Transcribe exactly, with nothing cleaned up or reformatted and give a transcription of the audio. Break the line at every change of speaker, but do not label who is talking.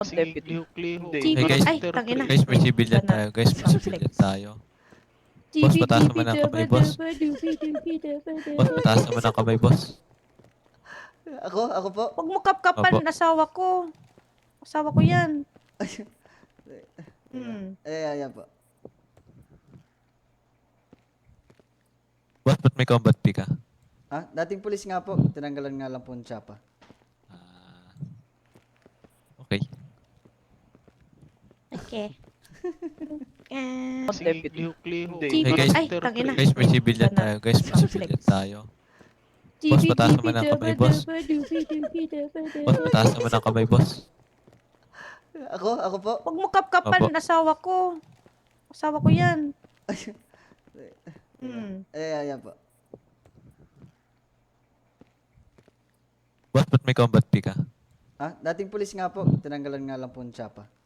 Deputy.
Hindi.
Hey guys,
Ay, tangina.
guys, may civilian
Sana.
tayo. Guys, may civilian tayo. Boss, mataas naman ang kamay, boss. Boss, mataas naman ang kamay, boss.
Ako? Ako po?
Huwag mo kapkapan,
Opo.
asawa ko. Asawa ko yan. Hmm.
Eh, ayan po.
Boss, ba't may combat pick ka?
Ah, dating pulis nga po. Tinanggalan nga lang po ng tsapa.
Ah, okay.
Okay. Eh,
Deputy.
Hindi.
Hey guys,
Ay, tangina.
guys, may civilian
Sana.
tayo. Guys, may civilian tayo. Boss, mataas naman ang kamay, boss. Boss, mataas naman ang kamay, boss.
Ako? Ako po?
Huwag mo kapkapan,
Opo.
asawa ko. Asawa ko yan. Hmm.
Eh, ayan po.
Boss, ba't may combat pick ka?
Ah, dating pulis nga po. Tinanggalan nga lang po ng tsapa.